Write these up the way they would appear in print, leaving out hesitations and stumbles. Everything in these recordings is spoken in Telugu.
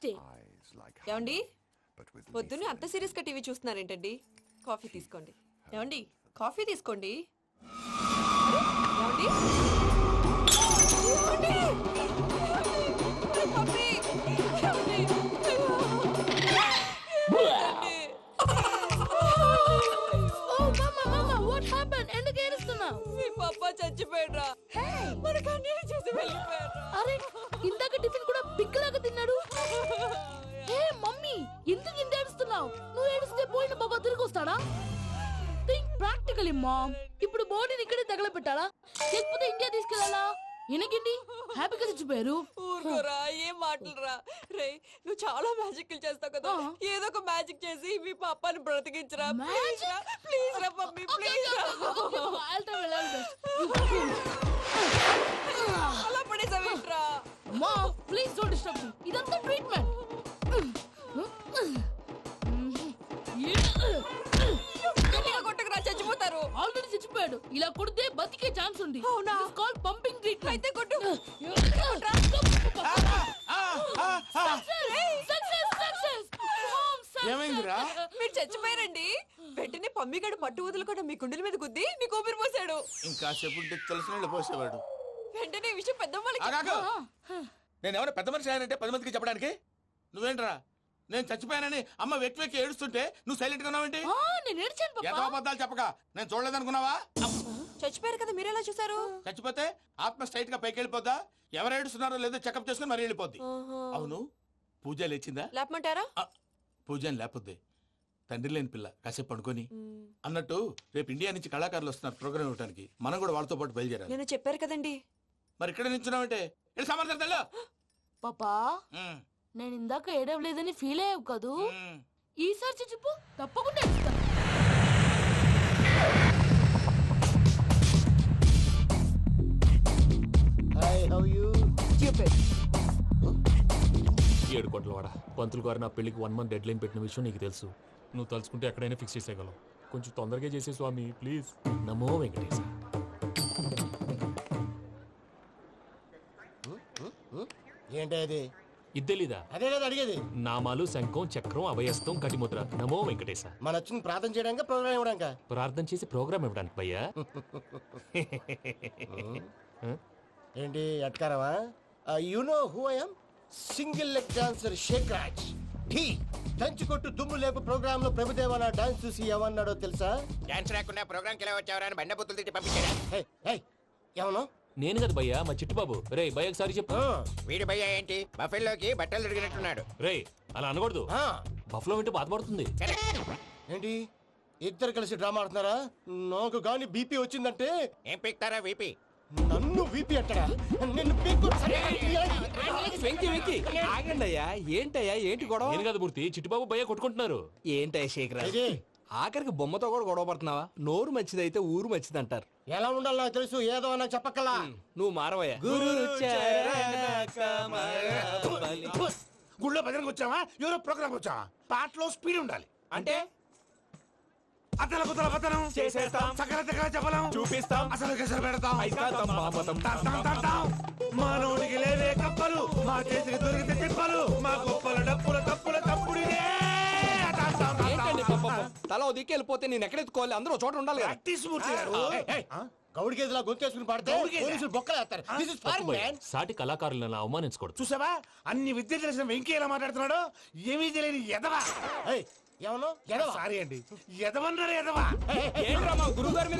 డే. ఏమండి పొద్దున్నే అంత సీరియస్ గా టీవీ చూస్తున్నారేంటండి? కాఫీ తీసుకోండి. ఏమండి కాఫీ తీసుకోండి. ఏమండి? ఏమండి? కాఫీ! ఏమండి? Oh, mama, what happened? ఎందుకు ఏడుస్తున్నావు? మీ పప్ప చచ్చిపోయాడ్రా. మనకు అన్యాయం చేసి వెళ్ళిపోయాడ్రా. అరే ఇందాక టిఫిన్ కూడా పిక్కలాగా తిన్నాడు. హే మమ్మీ, ఎందుకు ఇంత ఏడుస్తున్నావు? నువ్వు ఏడిస్తే పోయిన బాబా తిరిగి వస్తాడా? Think practically mom. ఇప్పుడు బాడీని ఇక్కడే తగలబెట్టాలా లేకపోతే ఇండియా తీసుకెళ్ళాలా? ఎనకండి హ్యాపీగా చచ్చిపోయారు. ఊరుకోరా, ఏం మాటలురా. రే నువ్వు చాలా మ్యాజిక్ చేస్తావు కదా, ఏదో ఒక మ్యాజిక్ చేసి మీ పాపాని బ్రతికించరా. ప్లీజ్ రా మమ్మీ, ప్లీజ్ రా. అలా పడేసావేంట్రా? Mom please don't disturb me. ఇదంతా ట్రీట్మెంట్. గట్టిగా కొట్టకురా, చచ్చిపోతారు. ఆల్రెడీ చచ్చిపోయాడు. ఇలా కొడితే బతికే ఛాన్స్ ఉంది. అవునా? It's called pumping treatment. అయితే కొట్టు. ఏమైందిరా? మీరు చచ్చిపోయారండి. వెంటనే పమ్మిగాడు పట్టు వదులుకుండా మీ గుండెల మీద గుద్ది మీకు ఊపిరి పోసాడు. ఇంకా చెప్పు తెలిసిన పోసేవాడు. వెంటనే ఈ విషయం పెద్దవాళ్ళకి. నేను ఎవరైనా పెద్ద మనిషి ఆయనంటే 10 మందికి చెప్పడానికి. నువ్వేంట్రా నేను చచ్చిపోయానని అమ్మ వెక్కి వెక్కి ఏడుస్తుంటే నువ్వు సైలెంట్ గా ఉన్నావేంటి? నేను ఏడ్చాను ఎంతో పాపా. అబద్ధాలు చెప్పక నేను చూడలేదనుకున్నావా? చచ్చిపోయారు కదా, మీరెలా చూసారు? చచ్చిపోతే ఆత్మ స్ట్రైట్ గా పైకి వెళ్ళిపోద్దా? ఎవరు ఏడుస్తున్నారో లేదో చెకప్ చేసుకుని మరీ వెళ్ళిపోద్ది. అవును, పూజ లేచిందా? లేపమంటారా? పూజ అని లేకపోద్ది. తండ్రి లేని పిల్ల కాసేపు పడుకొని. అన్నట్టు రేపు ఇండియా నుంచి కళాకారులు వస్తున్నారు ప్రోగ్రామ్ ఇవ్వడానికి. మనం కూడా వాళ్ళతో పాటు బయలుదేరాలి. నేను చెప్పారు కదండి. మరి ఇక్కడ నిల్చున్నావంటే సమర్థతలో పాపా నేను ఇందాక ఏడవలేదని ఫీల్ అయ్యావు కదూ. ఈసారి చచ్చిపో, తప్పకుండా ఏడుస్తా. ఏడు కోట్ల వాడ పంతులు గారు నా పెళ్లికి 1 month డెడ్ లైన్ పెట్టిన విషయం నీకు తెలుసు. నువ్వు తలుచుకుంటే ఎక్కడైనా ఫిక్స్ చేసేయగలవు. కొంచెం తొందరగా చేసే స్వామి ప్లీజ్. నమో వెంకటేశ. ఏంటి అది? ఇద్దెలీదా? అదే కదా అడిగేది. నామాలు శంఖం చక్రం అభయస్తం కటిముద్ర. నమో వెంకటేశ. మన వచ్చింది ప్రార్థన చేయడానికి ప్రోగ్రామ్ ఇవ్వడానికి. ప్రార్థన చేసి ప్రోగ్రామ్ ఇవ్వడానికి భయ్యా. ఏంటి అట్కారమా? You know who I am? Single leg dancer Shake Raj. Dhee దంచి కొట్టు దుమ్ము లేపు ప్రోగ్రామ్ లో ప్రభుదేవ నా డాన్స్ చూసి ఏమన్నాడో తెలుసా? డాన్స్ రాకుండా ప్రోగ్రామ్ కి ఎలా వచ్చావరా అని బండ బుద్ధులు తిట్టి పంపించారా? ఏమన్నా? నేను కదా భయ్యా, మా చిట్టుబాబు. రే భయ్య ఒకసారి చెప్పు. వీడి భయ్య ఏంటి బఫెల్లోకి బట్టలు తిరిగినట్టున్నాడు. రే అలా అనకూడదు. బఫ్లో వింటే బాధపడుతుంది. ఏంటి ఇద్దరు కలిసి డ్రామా ఆడుతున్నారా? నాకు గాని బీపీ వచ్చిందంటే ఏం పీక్తారా వీపీ? నన్ను వీపీ అట్టడా? నిన్ను పీక్కు. వెంకీ వెంకీ ఆగండి అయ్యా. ఏంటయ్యా ఏంటి గొడవ? నేను కదా మూర్తి, చిట్టుబాబు భయ్య కొట్టుకుంటున్నారు. ఏంటయ్యా శేఖరా, ఇది ఆఖరికి బొమ్మతో కూడా గొడవ పడుతున్నావా? నోరు మంచిదైతే ఊరు మంచిది అంటారు. ఎలా ఉండాలో నాకు తెలుసు, ఏదో నాకు చెప్పక్కలా. నువ్వు మారవయ్యా. గుళ్ళో భజనకు వచ్చావా? ఎవరో ప్రోగ్రామ్ వచ్చావా? పాటలో స్పీడ్ ఉండాలి. అంటే అతల కుతల పతనం చేసేస్తాం, సకల దగ్గర చెప్పలేం, చూపిస్తాం, అసలు గసలు పెడతాం, అయితాం, బాపతం. మానవుడికి లేవే కప్పలు, మా చేతికి దొరికితే తిప్పలు, మా గొప్పల డప్పుల తప్పుల తప్పుడిదే. ఏంటండి పాపం? తల ఓ దిక్కు వెళ్ళిపోతే నేను ఎక్కడెత్తుకోవాలి? అందరూ చోట ఉండాలి కదా. ప్రాక్టీస్ మూర్తి గారు. గౌడికి ఎదులా గొంతేసుకుని పాడితే పోలీసులు బొక్కలేస్తారు. This is foreign, man. సాటి కళాకారులను అవమానించకూడదు. చూసావా అన్ని విద్య తెలిసిన వెంకీ ఎలా మాట్లాడుతున్నాడు? ఏమీ తెలియని ఎదవా. ఏమన్నా సారీ అండి, ఎదవన్నారు ఎదవా. ఏంట్రా మా గురువు గారి మీద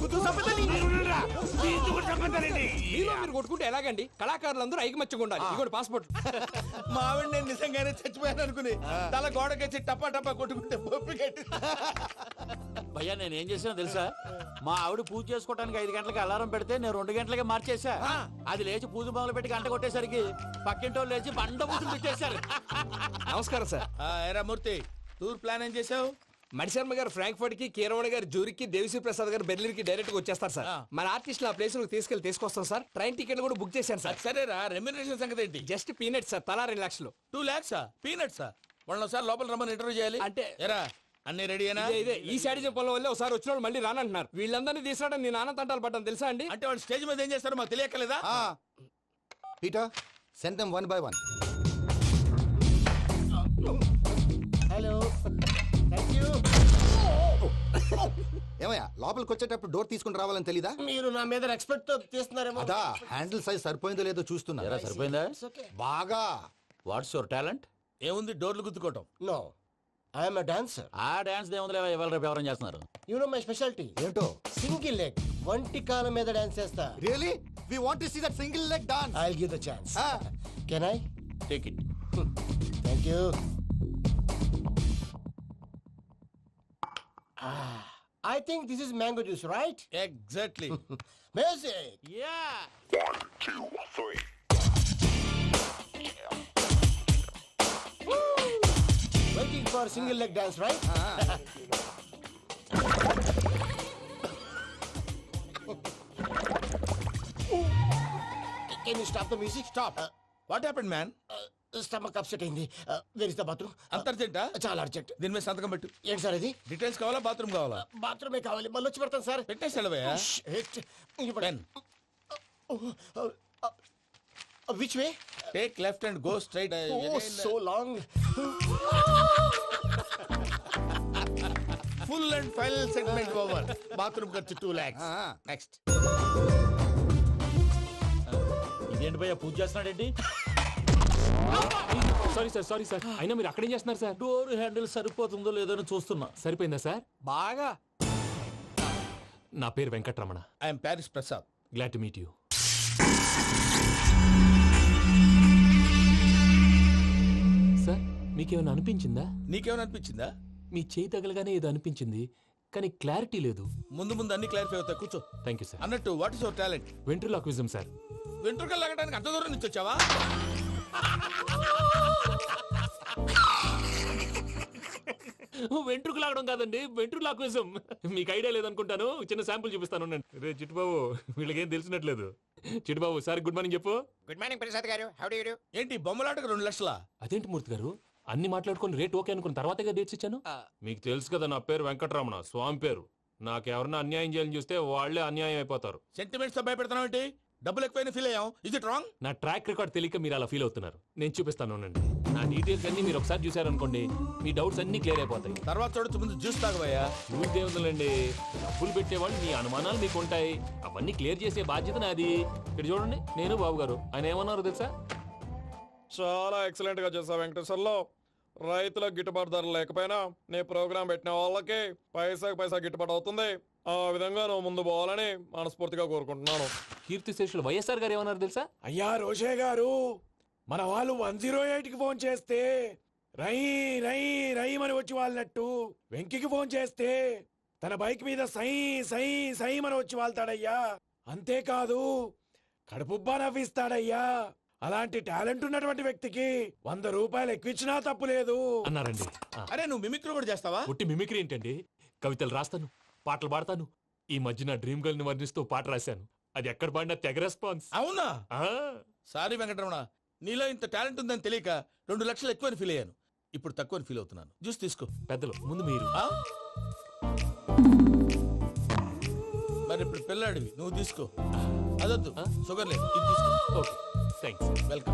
మీలో మీరు కొట్టుకుంటే ఎలాగండి? కళాకారులందరూ ఐకమత్యంగా ఉండాలి. ఇగోటి పాస్పోర్ట్. మా ఆవిడ నేను నిజంగానే చచ్చిపోయాను అనుకుని తల గోడకొచ్చి టపా టపా కొట్టుకుంటే పొప్పి కట్టి. భయ్యా నేనేం చేసినా తెలుసా? మా ఆవిడ పూజ చేసుకోవడానికి 5 గంటలకి అలారం పెడితే నేను 2 గంటలకే మార్చేసా. అది లేచి పూజ మొదలు పెట్టి గంట కొట్టేసరికి పక్కింటోళ్ళు లేచి బండ పూజలు పెట్టేశారు. నమస్కారం సార్. ఏరా మూర్తి, టూర్ ప్లాన్ ఏం చేసావు? మణిశర్మ గారు ఫ్రాంక్ఫర్ట్ కి, కీరవాణి గారు జూరిక్ కి, దేవిశ్రీ ప్రసాద్ గారు బెర్లిన్ కి డైరెక్ట్ గా వచ్చేస్తారు సార్. మన ఆర్టిస్ట్ ఆ ప్లేస్ తీసుకొస్తాం సార్. ట్రైన్ టికెట్ కూడా బుక్ చేశాను సార్. సరేరా, రెమ్యూనరేషన్ సంగతి ఏంటి? జస్ట్ పీనట్స్ సార్, తలా 2 లక్షలు. 2 lakhs పీనట్సా? వాళ్ళని ఒకసారి లోపల రమ్మని ఇంటర్వ్యూ చేయాలి. అంటే ఎరా అన్ని రెడీ అయినా? ఇదే ఈ శాడిజం పనుల వల్లే ఒకసారి వచ్చిన వాళ్ళు మళ్ళీ రానంటున్నారు. వీళ్ళందరినీ తీసుకురావడం నేను నాన్న తంటాలు పడ్డాను తెలుసా అండి? అంటే వాళ్ళు స్టేజ్ మీద ఏం చేస్తారో మాకు తెలియక్కలేదా? Peter, send them one by one. ఏమయ్యా లోపలికి వచ్చేటప్పుడు డోర్ తీసుకుని రావాలని తెలీదా? మీరు నా మీద ఎక్స్పెక్ట్ తో తీస్తున్నారేమో. అదా హ్యాండిల్ సైజ్ సరిపోయిందో లేదో చూస్తున్నా. ఎరా సరిపోయిందా? బాగా. What's your talent? ఏముంది డోర్లు గుద్దుకోవటం. No, I'm a dancer. ఆ డాన్స్ దేవుందిలే, ఇవాళ రేపు ఎవరైనా చేస్తున్నారు. You know my speciality. ఏంటో? సింగిల్ లెగ్, వంటి కాలం మీద డాన్స్ చేస్తా. Really we want to see that single leg dance. I will give the chance. Can I? Take it. Thank you. I think this is mango juice, right? Exactly. Music. Yeah. Waiting for single leg dance, right? Can you stop the music? Stop. What happened man? Stomach upset అయింది. Where is the bathroom? అంత అర్జెంటా? చాలా అర్జెంట్. దీని మీద సంతకం పెట్టు. ఏంటి సార్ ఇది? డీటెయిల్స్ కావాలా బాత్రూమ్ కావాలా? బాత్రూమే కావాలి, మళ్ళీ వచ్చి పెడతాను సార్. పెట్టేసి వెళ్ళవయ్యా. Pen. Which way? Take left and go straight. Oh, so long. Full and final segment over. Bathroom ఖర్చు 2 lakhs. నెక్స్ట్. ఇదేంటి భయ్యా పూజ చేస్తున్నాడేంటి? సారీ సార్ అయినా మీరు అక్కడేం చేస్తున్నారు సార్? డోర్ హ్యాండిల్ సరిపోతుందో లేదో అని చూస్తున్నా. సరిపోయిందా సార్? బాగా. నా పేరు Venkatramana. I'm Paris Prasad. Glad to meet you. Sir మీకేమైనా అనిపించిందా? నీకేమైనా అనిపించిందా? మీ చేయి తగలగానే ఏదో అనిపించింది, కానీ క్లారిటీ లేదు. ముందు ముందు అన్ని క్లారిఫై అవుతాయి. కూర్చో. Thank you sir. అన్నట్టు what is your talent? Ventriloquism sir. వెంట్రుకలు లాగడానికి అంత దూరం నుంచి వచ్చావా? వెంట్రుకు లాగడం కాదండి, వెంట్రులాక్విజం. మీకు ఐడియా లేదనుకుంటాను, చిన్న శాంపుల్ చూపిస్తాను. రే చిట్టుబాబు, వీళ్ళకేం తెలిసినట్లేదు. చిట్టుబాబు సార్ గుడ్ మార్నింగ్ చెప్పు. Good morning Prasad garu. How do you do? ఏంటి బొమ్మలాటకు 2 లక్షలా? అదేంటి మూర్తి గారు, అన్ని మాట్లాడుకొని రేట్ ఓకే అనుకున్న తర్వాతగా డేట్స్ ఇచ్చాను. మీకు తెలుసు కదా నా పేరు వెంకటరమణ, స్వామి పేరు. నాకెవరన్నా అన్యాయం చేయాలని చూస్తే వాళ్ళే అన్యాయం అయిపోతారు. సెంటిమెంట్స్ తో భయపెడతావు ఏంటి? డబ్బులు ఎక్కువైనా ఫీల్ అయ్యాం. Is it wrong? నా ట్రాక్ రికార్డ్ తెలియక మీరు అలా ఫీల్ అవుతున్నారు. నేను చూపిస్తాను ఉండండి. నా డీటెయిల్స్ అన్ని మీరు ఒకసారి చూసారనుకోండి, మీ డౌట్స్ అన్ని క్లియర్ అయిపోతాయి. తర్వాత చూడొచ్చు, ముందు జ్యూస్ తాగబోయా. చూస్తే ఉందండి, డబ్బులు పెట్టేవాళ్ళు మీ అనుమానాలు మీకు ఉంటాయి, అవన్నీ క్లియర్ చేసే బాధ్యత నాది. ఇక్కడ చూడండి, నేను బాబు గారు. ఆయన ఏమన్నారు తెలుసా? చాలా ఎక్సలెంట్ గా చేసావు వెంకటేశ్వర్లో. రైతులకు గిట్టుబాటు ధర లేకపోయినా నీ ప్రోగ్రాం పెట్టిన వాళ్ళకి పైసాకి పైసా గిట్టుబాటు అవుతుంది. ఆ విధంగా నువ్వు ముందు పోవాలని మనస్ఫూర్తిగా కోరుకుంటున్నాను. కీర్తి శేషులు వైఎస్ఆర్ గారు ఏమన్నారు తెలుసా? అయ్యా రోషే గారు, మన వాళ్ళు 108కి ఫోన్ చేస్తే రై రై రైమని వచ్చి వాళ్ళనట్టు, వెంకికి ఫోన్ చేస్తే తన బైక్ మీద సై సై సైమని వచ్చి వాళ్తాడయ్యా. అంతేకాదు కడుపుబ్బా నవ్విస్తాడయ్యా. అలాంటి టాలెంట్ ఉన్నటువంటి వ్యక్తికి 100 రూపాయలు ఎక్కువిచ్చినా తప్పు లేదు అన్నారండి. అరే నువ్వు మిమిక్రీ కూడా చేస్తావా? పుట్టి మిమిక్రీ ఏంటండి? కవితలు రాస్తాను, పాటలు పాడతాను. ఈ మధ్య నా డ్రీమ్ గర్ల్ ని వర్ణిస్తూ పాట రాశాను. అది ఎక్కడ పాడినా తెగ రెస్పాన్స్. అవునా? సారీ వెంకటరమణ, నీలో ఇంత టాలెంట్ ఉందని తెలియక 2 లక్షలు ఎక్కువని ఫీల్ అయ్యాను. ఇప్పుడు తక్కువని ఫీల్ అవుతున్నాను. జ్యూస్ తీసుకో. పెద్దలు ముందు మీరు. మరి ఇప్పుడు పిల్లాడివి, నువ్వు తీసుకో. అదొద్దు, షుగర్ లేదు, ఇది తీసుకో. Okay thanks. వెల్కమ్.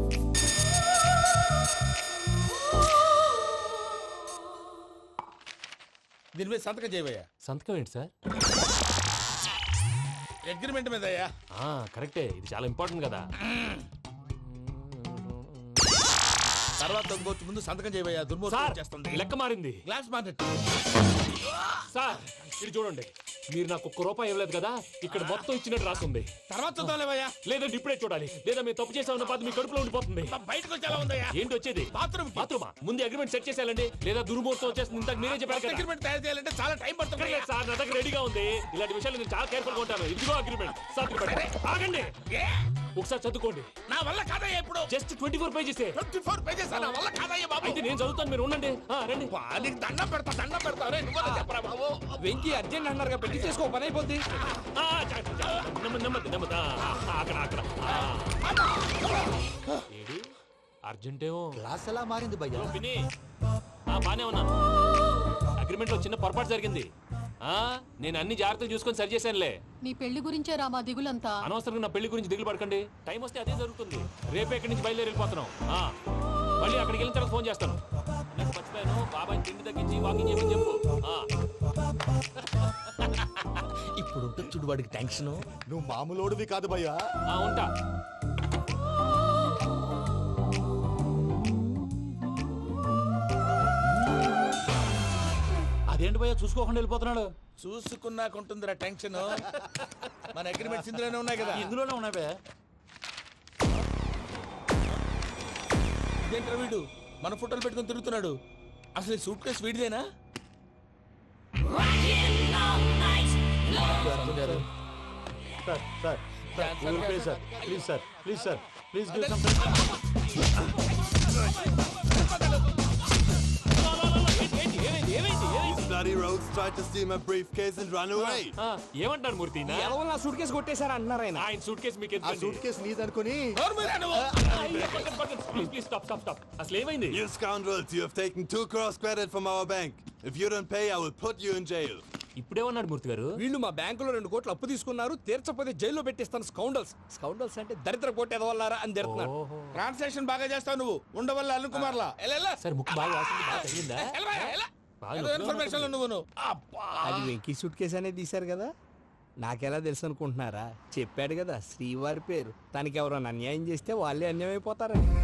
దీని మీద సంతకం చేయవయ్యా. సంతకం ఏంటి సార్? అగ్రిమెంట్ మీద అయ్యా. కరెక్టే, ఇది చాలా ఇంపార్టెంట్ కదా. తర్వాత ఇంకొచ్చి ముందు సంతకం చేయవయ్యా. దుర్మోహం చేస్తుంది. లెక్క మారింది. Glass market. సార్ ఇది చూడండి, మీరు నాకు 1 రూపాయి ఇవ్వలేదు కదా, ఇక్కడ మొత్తం ఇచ్చినట్టు రాస్తుంది. తర్వాత చూద్దాంలేవయ్యా. లేదంటే ఇప్పుడే చూడాలి, లేదా మేము తప్పు చేసామన్న బాధ మీ కడుపులో ఉండిపోతుంది. బయటకు వచ్చి ఎలా ఉందయ్యా? ఏంటి వచ్చేది? బాత్రూమా? ముందు అగ్రిమెంట్ సెట్ చేసేయాలండి, లేదా దుర్మూర్తం వచ్చేస్తుంది. ఇంతకు మీరే చెప్పారు కదా. అగ్రిమెంట్ తయారు చేయాలంటే చాలా టైం పడుతుంది. లేదు సార్, నా దగ్గర రెడీగా ఉంది. ఇలాంటి విషయాలు నేను చాలా కేర్ఫుల్ గా ఉంటాను. ఇదిగో అగ్రిమెంట్. ఆగండి, ఒకసారి చదువుకోండి. నా వల్ల కాదయ్యా. ఇప్పుడు జస్ట్ 24 పేజెస్. 24 పేజెస్ నా వల్ల కాదయ్యా బాబు. అయితే నేను చదువుతాను, మీరు ఉండండి. రండి. నీకు దండం పెడతా. రే నువ్వు చెప్పరా బాబు. వెంకీ అర్జెంట్ అన్నారు, పెట్టి చేసుకో, పని అయిపోద్ది. నెమ్మది. అక్కడ ఏడి అర్జెంటేమో. క్లాస్ ఎలా మారింది భయ్యా? పిన్ని, బానే ఉన్నాను. అగ్రిమెంట్ లో చిన్న పొరపాటు జరిగింది. నేను అన్ని జాగ్రత్తలు చూసుకొని సరి చేశానులే. నీ పెళ్లి గురించే రా మా దిగులంతా. అనవసరంగా నా పెళ్లి గురించి దిగులు పడకండి. టైం వస్తే అదే జరుగుతుంది. రేపే ఇక్కడి నుంచి బయలుదేరి వెళ్ళిపోతున్నాం. మళ్ళీ అక్కడికి వెళ్ళిన తర్వాత ఫోన్ చేస్తాను. నాకు మర్చిపోయాను, బాబాయ్ తిండి తగ్గించి వాకింగ్ చేయమని చెప్పు. ఇప్పుడు ఉంటుంది చూడు వాడికి టెన్షన్. నువ్వు మామూలోడివి కాదు భయ్యా. ఉంటా. అదేంటి భయ్యా చూసుకోకుండా వెళ్ళిపోతున్నాడు? చూసుకున్నాకుంటుందిరా టెన్షన్. మన అగ్రిమెంట్స్ ఇందులోనే ఉన్నాయి కదా. ఇందులోనే ఉన్నాయి భయ్యా. ఇదేంట్రా వీడు మన ఫోటోలు పెట్టుకొని తిరుగుతున్నాడు? అసలు సూట్ కేసు వీడిదేనా? Sir please sir please sir please Bloody rogues tried to steal my briefcase and run away. ఏమంటారు మూర్తి? ఎలా నా సూట్ కేసు కొట్టేశారా అన్నారు ఆయన. ఆయన సూట్ కేసు మీకు ఆ సూట్ కేసు నీదనుకుని. Please stop. అసలు ఏమైంది? You scoundrels, you have taken 2 crores credit from our bank. If you don't pay, I will put you in jail. ఇప్పుడేమన్నాడు మూర్తి గారు? వీళ్ళు మా బ్యాంకులో 2 కోట్లు అప్పు తీసుకున్నారు, తీర్చపోతే జైల్లో పెట్టిస్తాను. స్కౌండల్స్ అంటే దరిద్ర కోట ఎదవల్లారా అని తిడుతున్నారు. ట్రాన్సాక్షన్ బాగా చేస్తావు నువ్వు. ఉండవల్ల అరుణ్ కుమార్ లా. సరే ముక్కు బాగా వాసింది, బాగా తగిలిందా? ఇన్ఫర్మేషన్ నువ్వు. అది వెంకీ సూట్ కేసు అనేది తీశారు కదా, నాకెలా తెలుసు అనుకుంటున్నారా? చెప్పాడు కదా శ్రీవారి పేరు. తనకి ఎవరైనా అన్యాయం చేస్తే వాళ్ళే అన్యాయం అయిపోతారని.